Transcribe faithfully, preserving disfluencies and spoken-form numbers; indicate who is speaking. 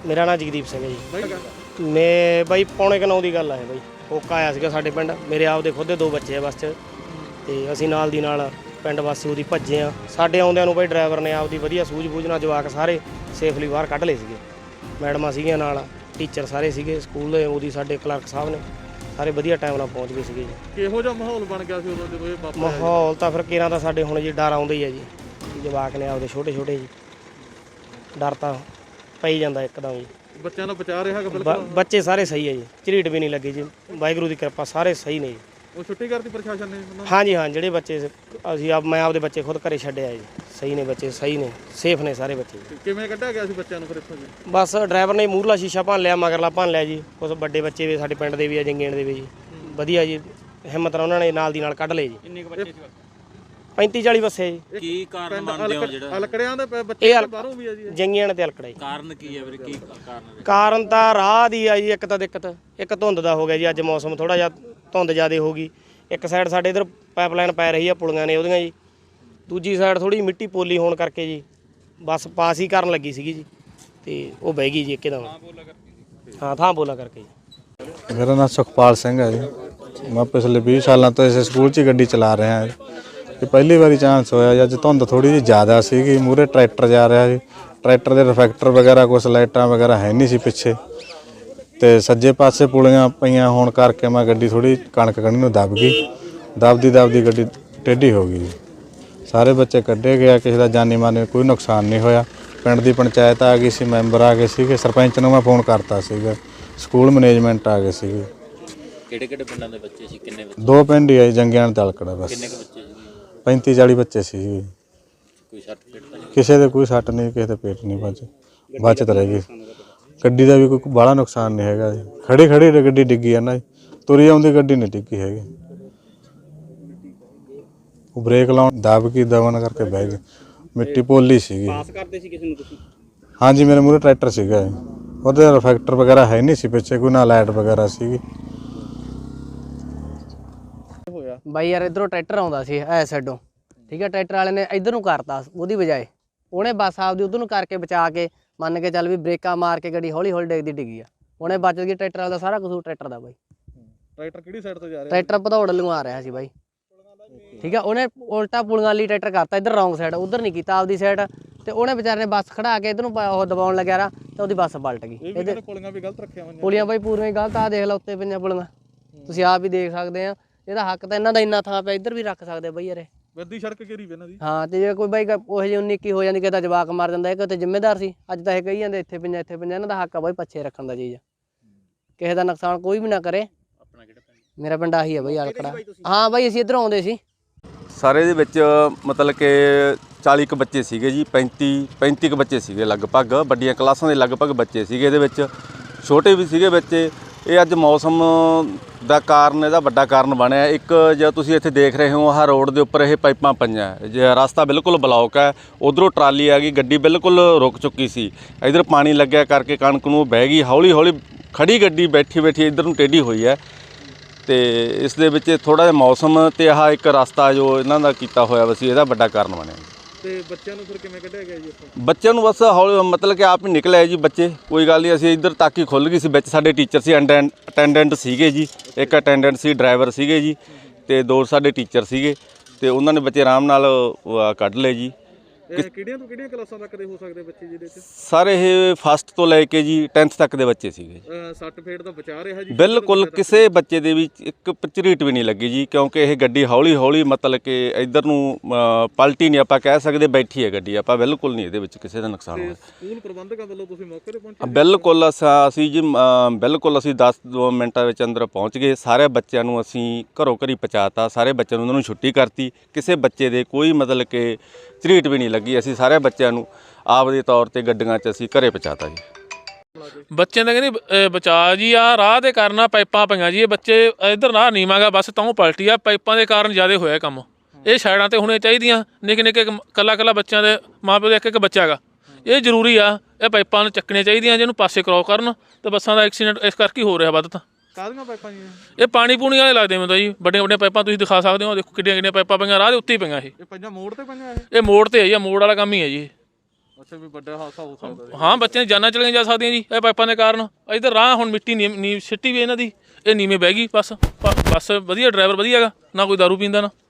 Speaker 1: ਮੇਰਾ ਨਾਮ ਜਗਦੀਪ ਸਿੰਘ ਹੈ ਜੀ। ਮੈਂ ਬਾਈ ਪੌਣੇ ਕੁ ਨੌ ਦੀ ਗੱਲ ਆ ਬਾਈ। ਹੋਕਾ ਆਇਆ ਸੀਗਾ ਸਾਡੇ ਪਿੰਡ। ਮੇਰੇ ਆਪ ਦੇ ਖੁਦ ਦੇ ਦੋ ਬੱਚੇ ਆ ਬੱਸ 'ਚ, ਤੇ ਅਸੀਂ ਨਾਲ ਦੀ ਨਾਲ ਪਿੰਡ ਵਾਸੀ ਉਹਦੀ ਭੱਜੇ ਆ। ਸਾਡੇ ਆਉਂਦਿਆਂ ਨੂੰ ਬਾਈ ਡਰਾਈਵਰ ਨੇ ਆਪਦੀ ਵਧੀਆ ਸੂਝ ਬੂਝ ਨਾਲ ਜਵਾਕ ਸਾਰੇ ਸੇਫਲੀ ਬਾਹਰ ਕੱਢ ਲਏ ਸੀਗੇ। ਮੈਡਮਾਂ ਸੀਗੀਆਂ ਨਾਲ, ਟੀਚਰ ਸਾਰੇ ਸੀਗੇ ਸਕੂਲ ਦੇ, ਉਹਦੀ ਸਾਡੇ ਕਲਰਕ ਸਾਹਿਬ ਨੇ, ਸਾਰੇ ਵਧੀਆ ਟਾਈਮ ਨਾਲ ਪਹੁੰਚ ਗਏ ਸੀਗੇ ਜੀ।
Speaker 2: ਕਿਹੋ ਜਿਹਾ ਮਾਹੌਲ ਬਣ ਗਿਆ ਸੀ ਉਦੋਂ ਜਦੋਂ ਇਹ ਵਾਪਰਿਆ?
Speaker 1: ਮਾਹੌਲ ਤਾਂ ਫਿਰ ਕਿਰਾਂ ਦਾ ਸਾਡੇ ਹੁਣ ਜੀ ਡਰ ਆਉਂਦਾ ਹੀ ਹੈ ਜੀ। ਜਵਾਕ ਨੇ ਆਪਦੇ ਛੋਟੇ ਛੋਟੇ ਜੀ, ਡਰ ਤਾਂ ਪਈ ਜਾਂਦਾ ਇੱਕਦਮ ਜੀ।
Speaker 2: ਬੱਚਿਆਂ ਨੂੰ ਬਚਾ ਰਿਹਾ ਹੈਗਾ ਬਿਲਕੁਲ?
Speaker 1: ਬੱਚੇ ਸਾਰੇ ਸਹੀ ਹੈ ਜੀ, ਝਰੀਟ ਵੀ ਨਹੀਂ ਲੱਗੀ ਜੀ, ਵਾਹਿਗੁਰੂ ਦੀ ਕਿਰਪਾ, ਸਾਰੇ ਸਹੀ ਨੇ ਜੀ।
Speaker 2: ਉਹ ਛੁੱਟੀ ਕਰਤੀ ਪ੍ਰਸ਼ਾਸਨ ਨੇ?
Speaker 1: ਹਾਂਜੀ ਹਾਂ, ਜਿਹੜੇ ਬੱਚੇ ਅਸੀਂ ਆਪ ਮੈਂ ਆਪਦੇ ਬੱਚੇ ਖੁਦ ਘਰੇ ਛੱਡਿਆ ਜੀ। ਸਹੀ ਨੇ ਬੱਚੇ, ਸਹੀ ਨੇ, ਸੇਫ ਨੇ ਸਾਰੇ ਬੱਚੇ।
Speaker 2: ਕਿਵੇਂ ਕੱਢਿਆ ਗਿਆ ਸੀ ਬੱਚਿਆਂ ਨੂੰ ਫਿਰ ਇੱਥੋਂ ਜੀ?
Speaker 1: ਬਸ ਡਰਾਈਵਰ ਨੇ ਮੂਹਰਲਾ ਸ਼ੀਸ਼ਾ ਭੰਨ ਲਿਆ, ਮਗਰਲਾ ਭੰਨ ਲਿਆ ਜੀ। ਕੁਛ ਵੱਡੇ ਬੱਚੇ ਵੀ ਸਾਡੇ ਪਿੰਡ ਦੇ ਵੀ ਆ, ਜੰਗੇਣ ਦੇ ਵੀ ਜੀ, ਵਧੀਆ ਜੀ, ਹਿੰਮਤ ਨਾਲ ਉਹਨਾਂ ਨੇ ਨਾਲ ਦੀ ਨਾਲ ਕੱਢ ਲਏ ਜੀ।
Speaker 3: ਕਿੰਨੇ ਕੁ ਬੱਚੇ ਸੀ?
Speaker 1: ਪੈਂਤੀ ਚਾਲੀ ਬੱਸੇ ਜੀ।
Speaker 3: ਕੀ ਕਾਰਨ ਮੰਨਦੇ ਹੋ ਜਿਹੜਾ
Speaker 2: ਅਲਕੜਿਆਂ ਦੇ ਬੱਚੇ ਬਾਹਰੋਂ ਵੀ ਆ ਜੀ?
Speaker 1: ਜੰਗੀਆਂ ਤੇ ਅਲਕੜਾ ਜੀ।
Speaker 3: ਕਾਰਨ ਕੀ ਹੈ ਵੀਰ? ਕੀ ਕਾਰਨ ਹੈ?
Speaker 1: ਕਾਰਨ ਤਾਂ ਰਾਹ ਦੀ ਆ ਜੀ। ਇੱਕ ਤਾਂ ਦਿੱਕਤ ਇੱਕ ਧੁੰਦ ਦਾ ਹੋ ਗਿਆ ਜੀ। ਅੱਜ ਮੌਸਮ ਥੋੜਾ ਜਿਹਾ ਧੁੰਦ ਜ਼ਿਆਦਾ ਹੋ ਗਈ। ਇੱਕ ਸਾਈਡ ਸਾਡੇ ਇਧਰ ਪਾਈਪਲਾਈਨ ਪੈ ਰਹੀ ਆ, ਪੁਲੀਆਂ ਨੇ ਉਹਦੀਆਂ ਜੀ। ਦੂਜੀ ਸਾਈਡ ਥੋੜੀ ਮਿੱਟੀ ਪੋਲੀ ਹੋਣ ਕਰਕੇ ਜੀ ਬੱਸ ਪਾਸ ਹੀ ਕਰਨ ਲੱਗੀ ਸੀਗੀ ਜੀ, ਤੇ ਉਹ ਬਹਿ ਗਈ ਜੀ ਇੱਕਦਮ। ਹਾਂ, ਥਾਂ ਬੋਲਾ ਕਰਕੇ ਜੀ।
Speaker 4: ਮੇਰਾ ਨਾਮ ਸੁਖਪਾਲ ਸਿੰਘ ਹੈ ਜੀ। ਮੈਂ ਪਿਛਲੇ ਵੀਹ ਸਾਲਾਂ ਤੋਂ ਇਸ ਸਕੂਲ 'ਚ ਗੱਡੀ ਚਲਾ ਰਿਹਾ ਹਾਂ। ਇਹ ਪਹਿਲੀ ਵਾਰੀ ਚਾਂਸ ਹੋਇਆ ਜੀ। ਅੱਜ ਧੁੰਦ ਥੋੜੀ ਜਿਹੀ ਜ਼ਿਆਦਾ ਸੀਗੀ, ਮੂਹਰੇ ਟਰੈਕਟਰ ਜਾ ਰਿਹਾ ਸੀ। ਟਰੈਕਟਰ ਦੇ ਰਿਫੈਕਟਰ ਵਗੈਰਾ ਕੁਛ ਲਾਈਟਾਂ ਵਗੈਰਾ ਹੈ ਨਹੀਂ ਸੀ ਪਿੱਛੇ, ਤੇ ਸੱਜੇ ਪਾਸੇ ਪੁਲੀਆਂ ਪਈਆਂ ਹੋਣ ਕਰਕੇ ਮੈਂ ਗੱਡੀ ਥੋੜੀ ਕਣਕ ਕਣੀ ਨੂੰ ਦਬ ਗਈ। ਦਬਦੀ ਦਬਦੀ ਗੱਡੀ ਟੇਢੀ ਹੋ ਗਈ ਜੀ। ਸਾਰੇ ਬੱਚੇ ਕੱਢੇ ਗਿਆ, ਕਿਸੇ ਦਾ ਜਾਨੀ ਮਾਨੀ ਕੋਈ ਨੁਕਸਾਨ ਨਹੀਂ ਹੋਇਆ। ਪਿੰਡ ਦੀ ਪੰਚਾਇਤ ਆ ਗਈ ਸੀ, ਮੈਂਬਰ ਆ ਗਏ ਸੀਗੇ, ਸਰਪੰਚ ਨੂੰ ਮੈਂ ਫੋਨ ਕਰਤਾ ਸੀਗਾ, ਸਕੂਲ ਮੈਨੇਜਮੈਂਟ ਆ ਗਏ ਸੀਗੇ।
Speaker 3: ਕਿਹੜੇ ਕਿਹੜੇ ਪਿੰਡਾਂ ਦੇ ਬੱਚੇ ਸੀ? ਕਿੰਨੇ ਬੱਚੇ?
Speaker 4: ਦੋ ਪਿੰਡ ਹੀ ਆਏ, ਜੰਗਿਆਣ ਤੇ ਅਲਕੜਾ। ਬਸ
Speaker 3: ਕਿੰਨੇ ਕੁ ਬੱਚੇ ਸੀ?
Speaker 4: ਪੈਂਤੀ ਚਾਲੀ ਬੱਚੇ ਸੀ ਜੀ।
Speaker 3: ਕੋਈ ਸੱਟ ਫੇਟ ਤਾਂ ਨਹੀਂ?
Speaker 4: ਕਿਸੇ ਦੇ ਕੋਈ ਸੱਟ ਨਹੀਂ, ਕਿਸੇ ਦੇ ਪੇਟ ਨਹੀਂ ਬਚ ਬਚਤ ਰਹਿ ਗਈ। ਗੱਡੀ ਦਾ ਵੀ ਕੋਈ ਬਾਹਲਾ ਨੁਕਸਾਨ ਨਹੀਂ ਹੈਗਾ ਜੀ। ਖੜੀ ਖੜੀ ਗੱਡੀ ਡਿੱਗੀ ਆ ਨਾ, ਤੁਰੀ ਆਉਂਦੀ ਗੱਡੀ ਨਹੀਂ ਡਿੱਗੀ ਹੈਗੀ। ਉਹ ਬ੍ਰੇਕ ਲਾਉਣ ਦਬ ਕੇ ਦਬਨ ਕਰਕੇ ਬਹਿ ਗਏ। ਮਿੱਟੀ ਪੋਲੀ ਸੀਗੀ।
Speaker 3: ਪਾਸ ਕਰਦੇ ਸੀ ਕਿਸੇ ਨੂੰ ਤੁਸੀਂ?
Speaker 4: ਹਾਂਜੀ, ਮੇਰੇ ਮੂਹਰੇ ਟਰੈਕਟਰ ਸੀਗਾ, ਉਹਦੇ ਰਿਫੈਕਟਰ ਵਗੈਰਾ ਹੈ ਨਹੀਂ ਸੀ ਪਿੱਛੇ, ਕੋਈ ਨਾ ਲਾਈਟ ਵਗੈਰਾ ਸੀਗੀ।
Speaker 5: ਬਾਈ ਯਾਰ ਇਧਰੋਂ ਟਰੈਕਟਰ ਆਉਂਦਾ ਸੀ ਐ ਸਾਈਡੋਂ, ਠੀਕ ਹੈ। ਟਰੈਕਟਰ ਵਾਲੇ ਨੇ ਇੱਧਰ ਨੂੰ ਕਰਤਾ ਉਹਦੀ ਬਜਾਏ, ਉਹਨੇ ਬੱਸ ਆਪਦੀ ਉੱਧਰ ਨੂੰ ਕਰਕੇ ਬਚਾ ਕੇ ਮੰਨ ਕੇ ਚੱਲ ਵੀ ਬ੍ਰੇਕਾਂ ਮਾਰ ਕੇ ਗੱਡੀ ਹੌਲੀ ਹੌਲੀ ਡਿੱਗਦੀ ਡਿੱਗੀ ਆ। ਉਹਨੇ ਬਚ ਗਈ। ਟਰੈਕਟਰ ਵਾਲਾ ਦਾ ਸਾਰਾ ਕਸੂਰ ਟਰੈਕਟਰ ਦਾ ਬਾਈ।
Speaker 2: ਟਰੈਕਟਰ ਕਿਹੜੀ ਸਾਈਡ ਤੋਂ ਜਾ ਰਿਹਾ?
Speaker 5: ਟਰੈਕਟਰ ਭਦੌੜ ਨੂੰ ਆ ਰਿਹਾ ਸੀ ਬਾਈ, ਠੀਕ ਆ। ਉਹਨੇ ਉਲਟਾ ਪੁਲੀਆਂ ਲਈ ਟਰੈਕਟਰ ਕਰਤਾ, ਇੱਧਰ ਰੌਂਗ ਸਾਈਡ, ਉੱਧਰ ਨਹੀਂ ਕੀਤਾ ਆਪਦੀ ਸਾਈਡ, ਤੇ ਉਹਨੇ ਵਿਚਾਰੇ ਨੇ ਬੱਸ ਖੜਾ ਕੇ ਇੱਧਰ ਨੂੰ ਉਹ ਦਬਾਉਣ ਲੱਗਿਆ ਰਾ, ਤੇ ਉਹਦੀ ਬੱਸ ਪਲਟ ਗਈ।
Speaker 2: ਇਹਦੇ ਪੁਲੀਆਂ ਵੀ ਗਲਤ ਰੱਖੀਆਂ ਹੋਈਆਂ।
Speaker 5: ਪੁਲੀਆਂ ਬਾਈ ਪੂਰੀਆਂ ਹੀ ਗਲਤ ਆ, ਦੇਖ ਲਓ ਉੱਤੇ ਪਈਆਂ ਪੁਲੀਆਂ, ਤੁਸੀਂ ਆਪ ਹੀ ਦੇਖ ਸਕਦੇ ਆ। ਇਹਦਾ ਹੱਕ ਤਾਂ ਇਹਨਾਂ ਦਾ ਇੰਨਾ ਥਾਂ ਪਿਆ, ਇੱਧਰ ਵੀ ਰੱਖ ਸਕਦੇ ਬਾਈ ਯਾਰੇ।
Speaker 2: ਵਿੱਦੀ ਸੜਕ ਘੇਰੀ ਵੀ ਇਹਨਾਂ ਦੀ।
Speaker 5: ਹਾਂ, ਤੇ ਜੇ ਕੋਈ ਬਾਈ ਉਹ ਜਿਹੀ ਉੱਨੀ ਇੱਕੀ ਹੋ ਜਾਂਦੀ, ਕਿਸੇ ਦਾ ਜਵਾਕ ਮਰ ਜਾਂਦਾ, ਇਹ ਕਿਤੇ ਜ਼ਿੰਮੇਦਾਰ ਸੀ? ਅੱਜ ਤਾਂ ਇਹ ਕਹੀ ਜਾਂਦੇ ਇੱਥੇ ਪੰਜਾ ਇੱਥੇ ਪੰਜਾ। ਇਹਨਾਂ ਦਾ ਹੱਕ ਆ ਬਾਈ ਪੱਛੇ ਰੱਖਣ ਦਾ ਚੀਜ਼। ਕਿਸੇ ਦਾ ਨੁਕਸਾਨ ਕੋਈ ਵੀ ਨਾ ਕਰੇ।
Speaker 3: ਆਪਣਾ ਕਿਹੜਾ ਪਿੰਡ?
Speaker 5: ਮੇਰਾ ਪਿੰਡ ਆਹੀ ਹੈ ਬਾਈ, ਅਲਕੜਾ। ਹਾਂ ਬਾਈ, ਅਸੀਂ ਇੱਧਰੋਂ ਆਉਂਦੇ ਸੀ।
Speaker 6: ਸਾਰੇ ਦੇ ਵਿੱਚ ਮਤਲਬ ਕਿ ਚਾਲੀ ਕੁ ਬੱਚੇ ਸੀਗੇ ਜੀ। ਪੈਂਤੀ ਪੈਂਤੀ ਕੁ ਬੱਚੇ ਸੀਗੇ ਲਗਭਗ, ਵੱਡੀਆਂ ਕਲਾਸਾਂ ਦੇ ਲਗਭਗ ਬੱਚੇ ਸੀਗੇ ਇਹਦੇ ਵਿੱਚ, ਛੋਟੇ ਵੀ ਸੀਗੇ ਬੱਚੇ। ਇਹ ਅੱਜ ਮੌਸਮ ਦਾ ਕਾਰਨ, ਇਹਦਾ ਵੱਡਾ ਕਾਰਨ ਬਣਿਆ। ਇੱਕ ਜੇ ਤੁਸੀਂ ਇੱਥੇ ਦੇਖ ਰਹੇ ਹੋ, ਆਹ ਰੋਡ ਦੇ ਉੱਪਰ ਇਹ ਪਾਈਪਾਂ ਪਈਆਂ, ਜੇ ਰਸਤਾ ਬਿਲਕੁਲ ਬਲੌਕ ਹੈ। ਉਧਰੋਂ ਟਰਾਲੀ ਆ ਗਈ, ਗੱਡੀ ਬਿਲਕੁਲ ਰੁਕ ਚੁੱਕੀ ਸੀ। ਇੱਧਰ ਪਾਣੀ ਲੱਗਿਆ ਕਰਕੇ ਕਣਕ ਨੂੰ ਬਹਿ ਗਈ। ਹੌਲੀ ਹੌਲੀ ਖੜੀ ਗੱਡੀ ਬੈਠੀ ਬੈਠੀ ਇੱਧਰ ਨੂੰ ਟੇਢੀ ਹੋਈ ਹੈ, ਤੇ ਇਸ ਦੇ ਵਿੱਚ ਥੋੜ੍ਹਾ ਜਿਹਾ ਮੌਸਮ ਅਤੇ ਆਹ ਇੱਕ ਰਸਤਾ ਜੋ ਇਹਨਾਂ ਦਾ ਕੀਤਾ ਹੋਇਆ ਵਾ ਸੀ, ਇਹਦਾ ਵੱਡਾ ਕਾਰਨ ਬਣਿਆ।
Speaker 2: ਤੇ ਬੱਚਿਆਂ ਨੂੰ ਫਿਰ ਕਿਵੇਂ ਕੱਢਿਆ ਗਿਆ ਜੀ ਇੱਥੋਂ?
Speaker 6: ਬੱਚਿਆਂ ਨੂੰ ਬਸ ਹੌਲੀ ਮਤਲਬ ਕਿ ਆਪ ਹੀ ਨਿਕਲ ਆਏ ਜੀ ਬੱਚੇ, ਕੋਈ ਗੱਲ ਨਹੀਂ। ਅਸੀਂ ਇੱਧਰ ਤੱਕ ਹੀ ਖੁੱਲ੍ਹ ਗਈ ਸੀ। ਵਿੱਚ ਸਾਡੇ ਟੀਚਰ ਸੀ, ਅਟੈਂਡੈਂਟ ਸੀਗੇ ਜੀ, ਇੱਕ ਅਟੈਂਡੈਂਟ ਸੀ, ਡਰਾਈਵਰ ਸੀਗੇ ਜੀ, ਅਤੇ ਦੋ ਸਾਡੇ ਟੀਚਰ ਸੀਗੇ, ਅਤੇ ਉਹਨਾਂ ਨੇ ਬੱਚੇ ਆਰਾਮ ਨਾਲ ਕੱਢ ਲਏ ਜੀ।
Speaker 2: ਇਹ ਕਿਹੜੀਆਂ ਤੋਂ ਕਿਹੜੀਆਂ ਕਲਾਸਾਂ ਤੱਕ ਦੇ ਹੋ ਸਕਦੇ ਬੱਚੇ ਜਿਹਦੇ 'ਚ?
Speaker 6: ਸਾਰੇ ਇਹ ਫਸਟ ਤੋਂ ਲੈ ਕੇ ਜੀ ਟੈਂਥ ਤੱਕ ਦੇ ਬੱਚੇ ਸੀਗੇ।
Speaker 2: ਸੱਟ ਫੇਟ ਦਾ ਬਚਾ ਰਿਹਾ ਜੀ?
Speaker 6: ਬਿਲਕੁਲ ਕਿਸੇ ਬੱਚੇ ਦੇ ਵਿੱਚ ਇੱਕ ਝਰੀਟ ਵੀ ਨਹੀਂ ਲੱਗੀ ਜੀ, ਕਿਉਂਕਿ ਇਹ ਗੱਡੀ ਹੌਲੀ ਹੌਲੀ ਮਤਲਬ ਕਿ ਇੱਧਰ ਨੂੰ ਪਲਟੀ ਨਹੀਂ ਆਪਾਂ ਕਹਿ ਸਕਦੇ, ਬੈਠੀ ਹੈ ਗੱਡੀ। ਆਪਾਂ ਬਿਲਕੁਲ ਨਹੀਂ ਇਹਦੇ ਵਿੱਚ ਕਿਸੇ ਦਾ ਨੁਕਸਾਨ ਹੋਇਆ।
Speaker 2: ਸਕੂਲ ਪ੍ਰਬੰਧਕਾਂ ਵੱਲੋਂ ਤੁਸੀਂ ਮੌਕੇ 'ਤੇ ਪਹੁੰਚੇ?
Speaker 6: ਬਿਲਕੁਲ ਅਸੀਂ ਜੀ ਬਿਲਕੁਲ ਅਸੀਂ ਦਸ ਦੋ ਮਿੰਟਾਂ ਵਿੱਚ ਅੰਦਰ ਪਹੁੰਚ ਗਏ। ਸਾਰੇ ਬੱਚਿਆਂ ਨੂੰ ਅਸੀਂ ਘਰੋਂ ਘਰੀ ਪਹੁੰਚਾਤਾ, ਸਾਰੇ ਬੱਚਿਆਂ ਨੂੰ ਉਹਨਾਂ ਨੂੰ ਛੁੱਟੀ ਕਰਤੀ। ਕਿਸੇ ਬੱਚੇ ਦੇ ਕੋਈ ਮਤਲਬ ਕਿ ਝਰੀਟ ਵੀ ਨਹੀਂ ਲੱਗੀ। ਅਸੀਂ ਸਾਰੇ ਬੱਚਿਆਂ ਨੂੰ ਆਪ ਦੇ ਤੌਰ ਤੇ ਗੱਡੀਆਂ 'ਚ ਅਸੀਂ ਘਰੇ ਪਹੁੰਚਾਤਾ ਜੀ।
Speaker 7: ਬੱਚਿਆਂ ਦਾ ਕਹਿੰਦੇ ਬਚਾਅ ਜੀ ਆ ਰਾਹ ਦੇ ਕਾਰਨ ਪਾਈਪਾਂ ਪਈਆਂ ਜੀ। ਇਹ ਬੱਚੇ ਇੱਧਰ ਨਾ ਨੀਵਾਂਗਾ ਬੱਸ ਤਾਂ ਪਲਟੀ ਆ, ਪਾਈਪਾਂ ਦੇ ਕਾਰਨ ਜ਼ਿਆਦਾ ਹੋਇਆ ਕੰਮ। ਇਹ ਸਾਈਡਾਂ 'ਤੇ ਹੋਣੇ ਚਾਹੀਦੀਆਂ। ਨਿੱਕੇ ਨਿੱਕੇ ਕੱਲਾ ਕੱਲਾ ਬੱਚਿਆਂ ਦੇ ਮਾਂ ਪਿਓ ਦਾ ਇੱਕ ਇੱਕ ਬੱਚਾ ਹੈਗਾ, ਇਹ ਜ਼ਰੂਰੀ ਆ। ਇਹ ਪਾਈਪਾਂ ਨੂੰ ਚੱਕਣੀਆਂ ਚਾਹੀਦੀਆਂ, ਜਿਹਨੂੰ ਪਾਸੇ ਕਰਾਸ ਕਰਨ, ਅਤੇ ਬੱਸਾਂ ਦਾ ਐਕਸੀਡੈਂਟ ਇਸ ਕਰਕੇ ਹੋ ਰਿਹਾ ਵੱਧ। ਤਾਂ
Speaker 2: ਕਾਹਦੀਆਂ ਪਾਈਪਾਂ ਜੀ?
Speaker 7: ਇਹ ਪਾਣੀ ਪੂਣੀ ਵਾਲੇ ਲੱਗਦੇ ਮੈਨੂੰ ਤਾਂ ਜੀ। ਵੱਡੀਆਂ ਵੱਡੀਆਂ ਪਾਈਪਾਂ ਤੁਸੀਂ ਦਿਖਾ ਸਕਦੇ ਹੋ, ਦੇਖੋ ਕਿੱਡੀਆਂ ਕਿੱਡੀਆਂ ਪਾਈਪਾਂ ਪਈਆਂ ਰਾਹ ਦੇ ਉੱਤੇ ਹੀ ਪਈਆਂ। ਇਹ
Speaker 2: ਇਹ ਪੰਜਾਂ ਮੋੜ 'ਤੇ ਪਈਆਂ? ਇਹ
Speaker 7: ਇਹ ਮੋੜ 'ਤੇ ਹੈ ਜੀ, ਮੋੜ ਵਾਲਾ ਕੰਮ ਹੀ ਹੈ ਜੀ।
Speaker 2: ਅੱਛਾ ਵੀ ਵੱਡਾ ਹਾਦਸਾ ਹੋ ਸਕਦਾ ਸੀ।
Speaker 7: ਹਾਂ ਬੱਚਿਆਂ ਦੀ ਜਾਨਾਂ ਚਲੀਆਂ ਜਾ ਸਕਦੀਆਂ ਜੀ ਇਹ ਪਾਈਪਾਂ ਦੇ ਕਾਰਨ। ਇੱਧਰ ਰਾਹ ਹੁਣ ਮਿੱਟੀ ਨੀ ਨੀ ਸਿੱਟੀ ਵੀ ਇਹਨਾਂ ਦੀ, ਇਹ ਨੀਵੇਂ ਬਹਿ ਗਈ। ਬਸ ਬ- ਬੱਸ ਵਧੀਆ, ਡਰਾਈਵਰ ਵਧੀਆ ਹੈਗਾ, ਨਾ ਕੋਈ ਦਾਰੂ ਪੀਂਦਾ ਨਾ